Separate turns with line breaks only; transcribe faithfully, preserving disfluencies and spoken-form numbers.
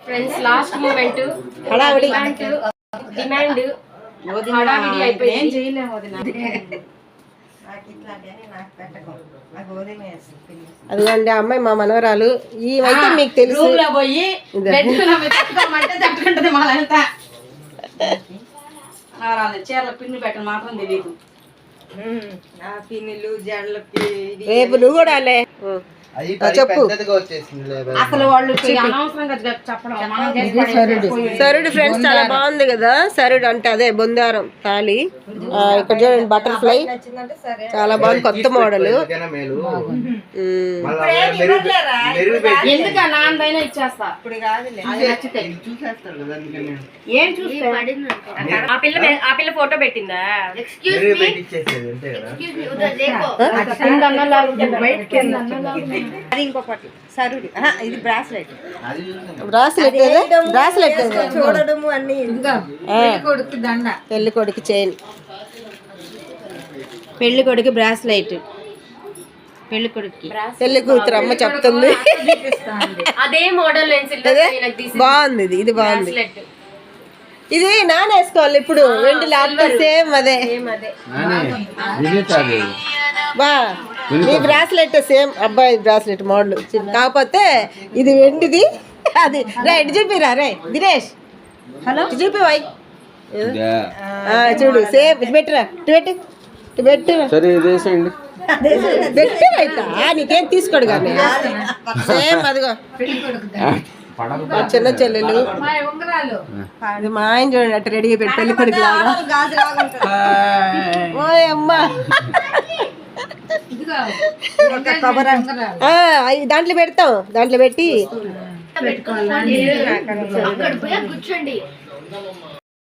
Friends last moment
హడావిడి
demand హడావిడి అయిపోయింది.
చేయలేము వదిన.
అదిగోండి అమ్మాయి మా మనవరాలు. ఈ అయితే మీకు తెలుసు
రూమ్ లో పోయి తట్టుకోమంటే తట్టుకుంటది మా లలిత. చీరల పిన్ను పెట్టడం మాత్రం తెలియదు. పిన్నులు జడలకి
రేపు నువ్వు కూడా అలే చెప్పు.
అసలు వాళ్ళు అనవసరంగా చెప్పడం.
సరుడు ఫ్రెండ్స్ చాలా బాగుంది కదా. సరుడు అంటే అదే బొందారం తాళి. ఇక్కడ చూడండి బటర్ఫ్లై చాలా బాగుంది, కొత్త మోడల్.
ఎందుకు నాన్నదైనా ఇచ్చేస్తా. ఏం చూస్తే
ఆ పిల్ల ఆ పిల్ల ఫోటో పెట్టిందా?
అది ఇంకొకటి సరుడు. ఇది బ్రాస్లెట్.
బ్రాస్లెట్ బ్రాస్లెట్
చూడడము అన్ని. కొడుకు దండ,
పెళ్లి కొడుకు చైన్,
పెళ్లి కొడుకు బ్రాస్లెట్, పెళ్లి కొడుకు
పెళ్లి కూతురు అమ్మ చెప్తుంది.
అదే మోడల్
బాగుంది ఇది, ఇది బాగుంది. ఇది నాన్న వేసుకోవాలి ఇప్పుడు. వెండి లేకపోతే సేమ్ అదే బా. ఈ బ్రాస్లెట్ సేమ్ అబ్బాయి బ్రాస్లెట్ మోడల్, కాకపోతే ఇది వెండిది. అది రా ఇటు చూపిరా రే దినేష్. హలో చూపి వై చూడు సేమ్. ఇటు పెట్టిరా, ఇటు పెట్టి ఇటు పెట్టిరా, పెట్టిరా. ఇట్లా నీకేం తీసుకోడు కానీ సేమ్ అదిగో చిన్న చెల్లెలు. అది మా ఆయన చూడండి అట్లా రెడీగా పెట్టి పెళ్లి కొడుకు లాగా. ఓ అమ్మా దాంట్లో పెడతాం, దాంట్లో పెట్టి
కూర్చోండి.